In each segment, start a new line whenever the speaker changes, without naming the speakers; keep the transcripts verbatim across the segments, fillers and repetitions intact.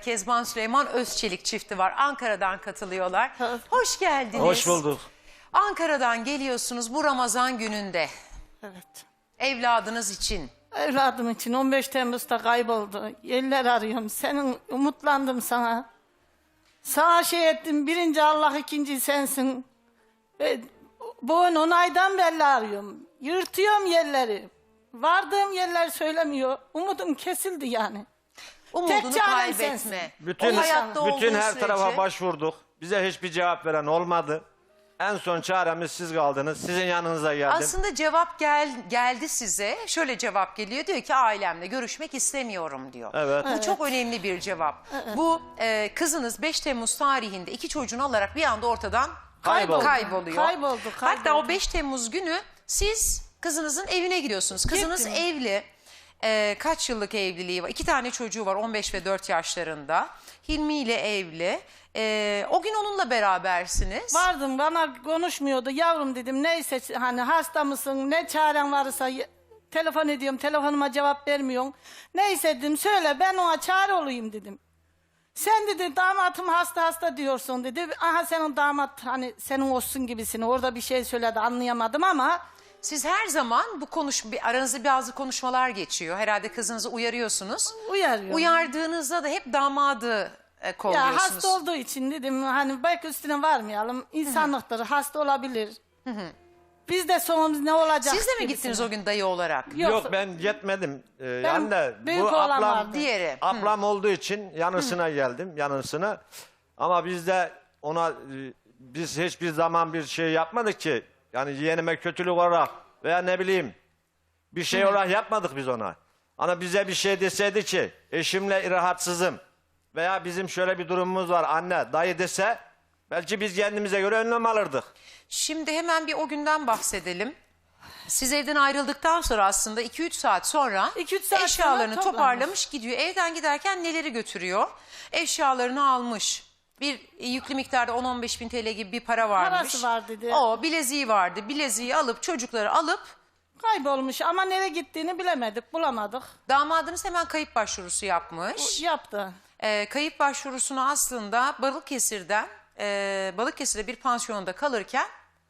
Kezban Süleyman Özçelik çifti var. Ankara'dan katılıyorlar. Hoş geldiniz.
Hoş bulduk.
Ankara'dan geliyorsunuz bu Ramazan gününde.
Evet.
Evladınız için.
Evladım için on beş Temmuz'da kayboldu. Yerler arıyorum. Senin umutlandım sana. Sana şey ettim. Birinci Allah, ikinci sensin. Ve bu on aydan belli arıyorum. Yırtıyorum yerleri. Vardığım yerler söylemiyor. Umudum kesildi yani.
Umudunu
Tek çarem
kaybetme.
sensin.
Bütün,
O hayatta
bütün
olduğu
her
sürece-
tarafa başvurduk. Bize hiçbir cevap veren olmadı. En son çaremiz siz kaldınız. Sizin yanınıza geldim.
Aslında cevap gel, geldi size. Şöyle cevap geliyor. Diyor ki ailemle görüşmek istemiyorum diyor.
Evet.
Bu çok önemli bir cevap. Bu e, kızınız beş Temmuz tarihinde iki çocuğunu alarak bir anda ortadan
Kayboldu.
kayboluyor.
Kayboldu,
Hatta
kayboldu.
o beş Temmuz günü siz kızınızın evine gidiyorsunuz. Kızınız
Gittim.
evli. E, kaç yıllık evliliği var? İki tane çocuğu var on beş ve dört yaşlarında. Hilmi ile evli. E, o gün onunla berabersiniz.
Vardım, bana konuşmuyordu. Yavrum dedim, neyse hani hasta mısın, ne çaren varsa y- telefon ediyorum, telefonuma cevap vermiyorsun. Neyse dedim, söyle ben ona çare olayım dedim. Sen dedi damatım hasta hasta diyorsun dedi. Aha senin damat hani senin olsun gibisini, orada bir şey söyledi anlayamadım ama...
Siz her zaman bu konuş bir aranızda bazı konuşmalar geçiyor. Herhalde kızınızı uyarıyorsunuz.
Uyarıyorum.
Uyardığınızda da hep damadı e,
Ya
kolluyorsunuz.
hasta olduğu için dedim hani belki üstüne varmayalım. İnsanlıktır, hasta olabilir. Biz de sonumuz ne olacak?
Siz de mi
gibisine.
gittiniz o gün dayı olarak?
Yok.
Yok, ben gitmedim. Ee, yani de
büyük
bu
oğlan
ablam,
vardı.
Diğeri.
ablam olduğu için yanısına geldim. Yanısına. Ama biz de ona e, biz hiçbir zaman bir şey yapmadık ki. Yani yeğenime kötülük olarak veya ne bileyim bir şey olarak yapmadık biz ona. Ana bize bir şey deseydi ki eşimle rahatsızım veya bizim şöyle bir durumumuz var anne dayı dese belki biz kendimize göre önlem alırdık.
Şimdi hemen bir o günden bahsedelim. Siz evden ayrıldıktan sonra aslında iki üç saat sonra
iki üç saat
eşyalarını
sonra
toparlamış gidiyor. Evden giderken neleri götürüyor? Eşyalarını almış. Bir yüklü miktarda on on beş bin T L gibi bir para varmış.
Parası var dedi.
O bileziği vardı. Bileziği alıp çocukları alıp
Kaybolmuş ama nereye gittiğini bilemedik, bulamadık.
damadınız hemen kayıp başvurusu yapmış.
Yaptı.
Ee, kayıp başvurusunu aslında Balıkesir'den e, Balıkesir'de bir pansiyonda kalırken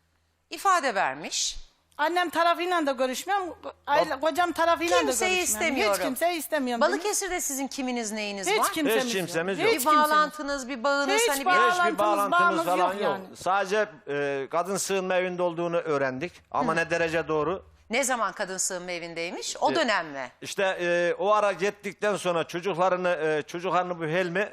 ifade vermiş.
Annem tarafıyla da görüşmüyorum, aile- kocam tarafıyla da
Kimseyi
görüşmüyorum.
istemiyorum.
Hiç kimseyi istemiyorum. dedim.
Balıkesir'de sizin kiminiz neyiniz
Hiç
var?
kimsemiz,
Hiç kimsemiz
yok.
yok.
Bir
Hiç kimsemiz.
bağlantınız, bir bağınız
Hiç
hani bir...
bağ-
Hiçbir
Bağlantımız,
bağlantımız
bağımız
falan
yok
yok.
yani.
Sadece e, kadın sığınma evinde olduğunu öğrendik. Ama ne derece doğru?
Ne zaman kadın sığınma evindeymiş?
Ee,
O dönem mi?
İşte e, o ara gittikten sonra çocuklarını e, çocuklarını bu Helmi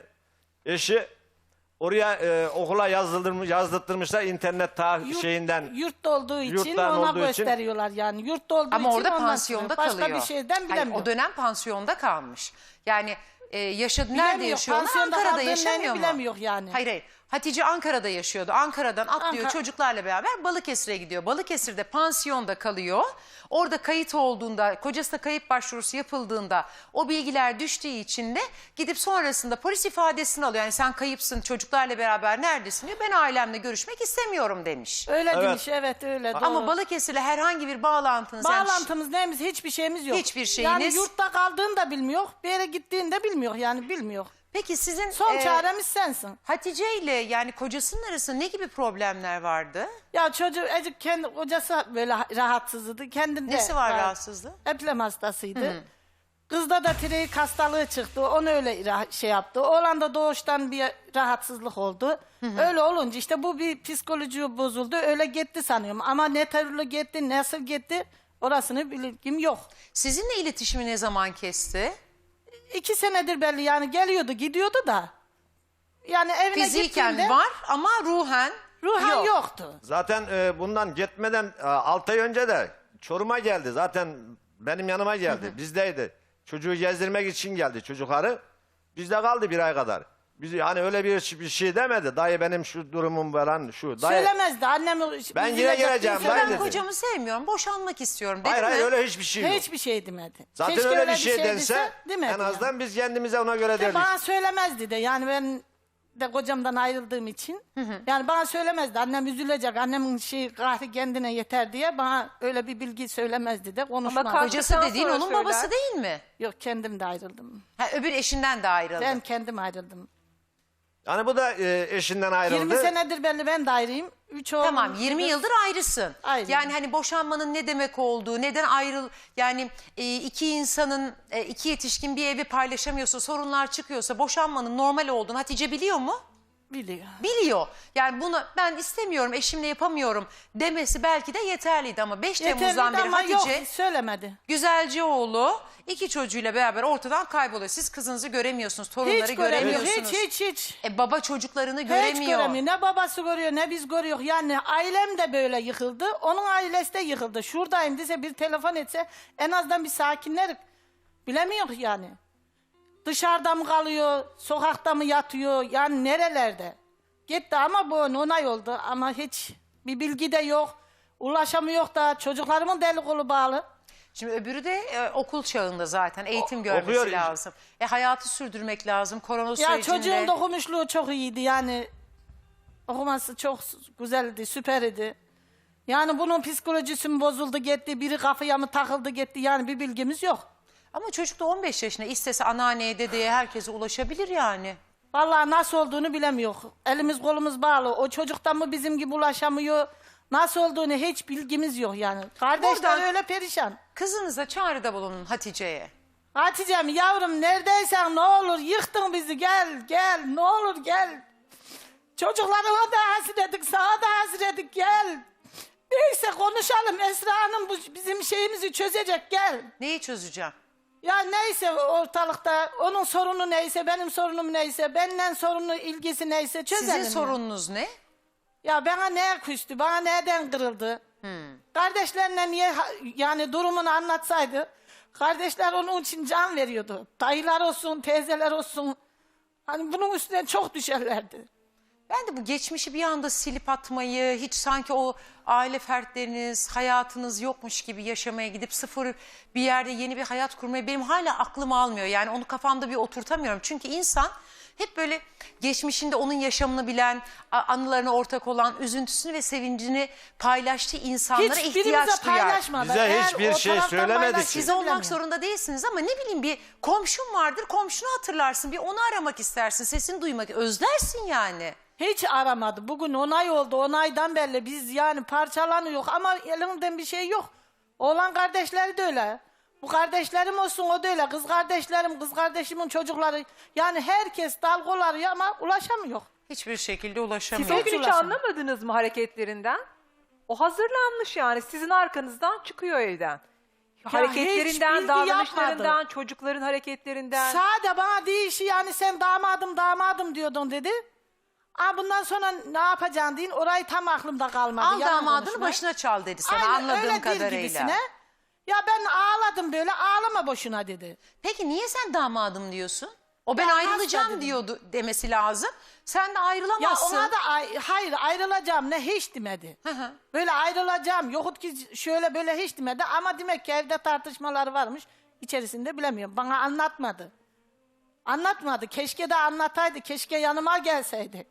eşi oraya e, okula yazdırmış, yazdırtmışlar internet ta
Yurt-
şeyinden.
Yurtta olduğu için
Yurttan
ona
olduğu için-
gösteriyorlar yani. Yurtta olduğu
Ama
için
orada
ondan
pansiyonda
çıkıyor. Başka
kalıyor.
bir şeyden
Hayır,
bilemiyorum.
o dönem pansiyonda kalmış. Yani e, yaşadı, nerede
Bilemiyor,
yaşıyorlar?
pansiyonda
Ankara'da
kaldığını
yaşamıyor mu?
bilemiyor yani.
Hayır hayır. Hatice Ankara'da yaşıyordu. Ankara'dan atlıyor
Ankara-
çocuklarla beraber Balıkesir'e gidiyor. Balıkesir'de pansiyonda kalıyor. Orada kayıt olduğunda, kocasına kayıp başvurusu yapıldığında o bilgiler düştüğü için de gidip sonrasında polis ifadesini alıyor. Yani sen kayıpsın, çocuklarla beraber neredesin diyor. Ben ailemle görüşmek istemiyorum demiş.
Öyle
Evet.
demiş, evet öyle doğru.
Ama Balıkesir'le herhangi bir bağlantınız... yani-
Bağlantımız neyimiz, hiçbir şeyimiz yok.
Hiçbir şeyiniz-
Yani yurtta kaldığını da bilmiyor, bir yere gittiğini de bilmiyor yani bilmiyor.
Peki sizin
Son
e,
çaremiz sensin.
Hatice ile yani kocasının arasında ne gibi problemler vardı?
Ya çocuğu Ecik kendi kocası böyle rahatsızdı. Kendinde
Nesi var rahatsızlığı?
Eplem hastasıydı. Kızda da tiroid hastalığı çıktı. Onu öyle ra- şey yaptı. Oğlanda doğuştan bir rahatsızlık oldu. Öyle olunca işte bu bir psikoloji bozuldu. Öyle gitti sanıyorum. Ama ne türlü gitti, nasıl gitti orasını bilgim yok.
Sizinle iletişimi ne zaman kesti?
İki senedir belli yani geliyordu gidiyordu da. Yani evine
Fiziken
gittiğinde
var ama ruhen
ruhen
yok.
yoktu.
Zaten e, bundan gitmeden e, altı ay önce de Çorum'a geldi. Zaten benim yanıma geldi. Bizdeydi. Çocuğu gezdirmek için geldi çocukları. Bizde kaldı bir ay kadar. Biz yani öyle bir, bir şey demedi. Dayı benim şu durumum falan şu. Dayı,
Söylemezdi annem.
Ben yine geleceğim,
Söylemezdi.
dayı
Ben
dedi.
kocamı sevmiyorum, boşanmak istiyorum dedi
hayır
mi?
hayır öyle hiçbir şey yok.
Hiçbir şey demedi.
Zaten
Keşke
öyle bir şey,
dese,
dense
demedi
en azından
yani.
biz kendimize ona göre
De
derdik.
bana söylemezdi de yani ben de kocamdan ayrıldığım için. Yani bana söylemezdi. Annem üzülecek. Annemin şey kahri kendine yeter diye bana öyle bir bilgi söylemezdi de konuşmazdı.
kaç-
Kocası
Kalktıktan
dediğin
sonra
onun
söyler.
babası değil mi?
Yok kendim de ayrıldım.
Ha, öbür eşinden de ayrıldı.
Ben kendim ayrıldım.
Yani bu da e, eşinden ayrıldı.
yirmi senedir belli ben de ayrıyım. Üç oğlum.
Tamam yirmi yıldır ayrısın.
Ayrıyım.
Yani hani boşanmanın ne demek olduğu, neden ayrıl yani e, iki insanın e, iki yetişkin bir evi paylaşamıyorsa, sorunlar çıkıyorsa boşanmanın normal olduğunu Hatice biliyor mu?
Biliyor.
Biliyor. Yani bunu ben istemiyorum, eşimle yapamıyorum demesi belki de yeterliydi ama beş Temmuz'dan
Yeterliydi
beri
ama
Hatice
yok söylemedi.
Güzelcioğlu iki çocuğuyla beraber ortadan kayboluyor. Siz kızınızı göremiyorsunuz, torunları
Hiç göremiyor.
göremiyorsunuz.
Hiç hiç hiç.
E, baba çocuklarını
Hiç
göremiyor.
göremiyor. Ne babası görüyor ne biz görüyor. Yani ailem de böyle yıkıldı. Onun ailesi de yıkıldı. Şuradayım dese bir telefon etse en azından bir sakinler bilemiyor yani. Dışarıda mı kalıyor, sokakta mı yatıyor, yani nerelerde? Gitti ama bu onay oldu ama hiç bir bilgi de yok. Ulaşamıyor da çocuklarımın deli kolu bağlı.
Şimdi öbürü de e, okul çağında zaten eğitim
O-
görmesi
okuyor.
lazım. E, hayatı sürdürmek lazım korona
Ya
sürecinde.
çocuğun da okumuşluğu çok iyiydi yani. Okuması çok güzeldi, süperdi. Yani bunun psikolojisi mi bozuldu gitti, biri kafaya mı takıldı gitti yani bir bilgimiz yok.
Ama çocuk da on beş yaşında istese anneanneye dedeye herkese ulaşabilir yani.
Vallahi nasıl olduğunu bilemiyor. Elimiz kolumuz bağlı. O çocuktan mı bizim gibi ulaşamıyor? Nasıl olduğunu hiç bilgimiz yok yani. Kardeşler
Buradan-
öyle perişan.
Kızınıza çağrıda bulunun Hatice'ye.
Hatice'm yavrum neredeysen ne olur yıktın bizi gel gel ne olur gel. Çocuklarına da hasredik sana da hasredik gel. Neyse konuşalım Esra Hanım bu bizim şeyimizi çözecek gel.
Neyi çözeceğim?
Ya neyse ortalıkta onun sorunu neyse benim sorunum neyse benden sorunu ilgisi neyse çözelim.
Sizin
ya.
sorununuz ne?
Ya bana neye küstü bana neden kırıldı? Kardeşlerine niye ha- yani durumunu anlatsaydı kardeşler onun için can veriyordu. Dayılar olsun teyzeler olsun hani bunun üstüne çok düşerlerdi.
Ben de bu geçmişi bir anda silip atmayı, hiç sanki o aile fertleriniz, hayatınız yokmuş gibi yaşamaya gidip sıfır bir yerde yeni bir hayat kurmayı benim hala aklım almıyor. Yani onu kafamda bir oturtamıyorum. Çünkü insan hep böyle geçmişinde onun yaşamını bilen, a- anılarına ortak olan, üzüntüsünü ve sevincini paylaştığı insanlara ihtiyaç
Hiçbirimize
duyar.
paylaşmadı.
Bize
Eğer
hiçbir
o
şey
taraftan
söylemedi
paylaştıysa
ki.
Siz olmak
bilemiyorum.
zorunda değilsiniz ama ne bileyim bir komşun vardır, komşunu hatırlarsın, bir onu aramak istersin, sesini duymak, özlersin yani.
Hiç aramadı. Bugün onay oldu. Onaydan belli. Biz yani parçalanıyor ama elimden bir şey yok. Oğlan kardeşleri de öyle. Bu kardeşlerim olsun o da öyle. Kız kardeşlerim, kız kardeşimin çocukları. Yani herkes dal kol arıyor ama ulaşamıyor.
Hiçbir şekilde
Siz
ulaşamıyor.
o gün hiç
ulaşın.
anlamadınız mı hareketlerinden? O hazırlanmış yani sizin arkanızdan çıkıyor evden. Hareketlerinden,
hiç bilgi
davranışlarından,
yapmadı.
çocukların hareketlerinden.
Sade bana değişi yani sen damadım damadım diyordun dedi. Aa, bundan sonra ne yapacaksın deyin orayı tam aklımda kalmadı.
Al
yalan
damadını
konuşma.
başına çal dedi sana
Aynen,
anladığım
öyle değil
kadarıyla.
gibisine. Ya ben ağladım böyle ağlama boşuna dedi.
Peki niye sen damadım diyorsun? O ben
Ben
ayrılacağım
hasta dedim.
diyordu demesi lazım. Sen de
Ya
ayrılamazsın.
ona da ay- hayır ayrılacağım ne hiç demedi.
Hı hı.
Böyle ayrılacağım yokut ki şöyle böyle hiç demedi ama demek ki evde tartışmalar varmış içerisinde bilemiyorum. Bana anlatmadı. Anlatmadı. Keşke de anlataydı. Keşke yanıma gelseydi.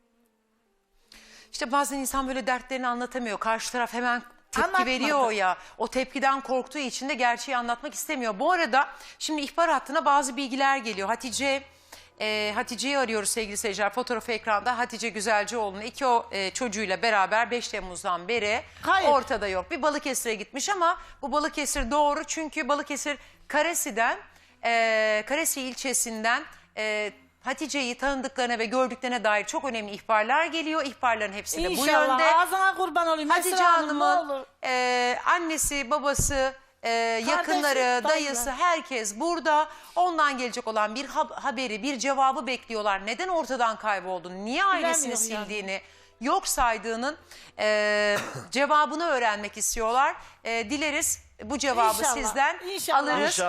İşte bazen insan böyle dertlerini anlatamıyor. Karşı taraf hemen tepki
Anlatmadı.
veriyor ya. O tepkiden korktuğu için de gerçeği anlatmak istemiyor. Bu arada şimdi ihbar hattına bazı bilgiler geliyor. Hatice e, Hatice'yi arıyoruz sevgili seyirciler. Fotoğrafı ekranda Hatice Güzelcioğlu'nun iki o e, çocuğuyla beraber beş Temmuz'dan beri
Hayır.
ortada yok. Bir Balıkesir'e gitmiş ama bu Balıkesir doğru çünkü Balıkesir Karesi'den e, Karesi ilçesinden e, Hatice'yi tanıdıklarına ve gördüklerine dair çok önemli ihbarlar geliyor. İhbarların hepsi de bu
İnşallah
yönde.
ağzına kurban olayım.
Hatice
Esra Hanım, ne
Hanım'ın
olur.
e, annesi, babası, e, yakınları,
dayılar.
dayısı herkes burada. Ondan gelecek olan bir hab- haberi, bir cevabı bekliyorlar. Neden ortadan kayboldu? Niye ailesini
Bilemiyor yani.
sildiğini, yok saydığının e, cevabını öğrenmek istiyorlar. E, dileriz bu cevabı
İnşallah,
sizden
inşallah.
alırız.
İnşallah.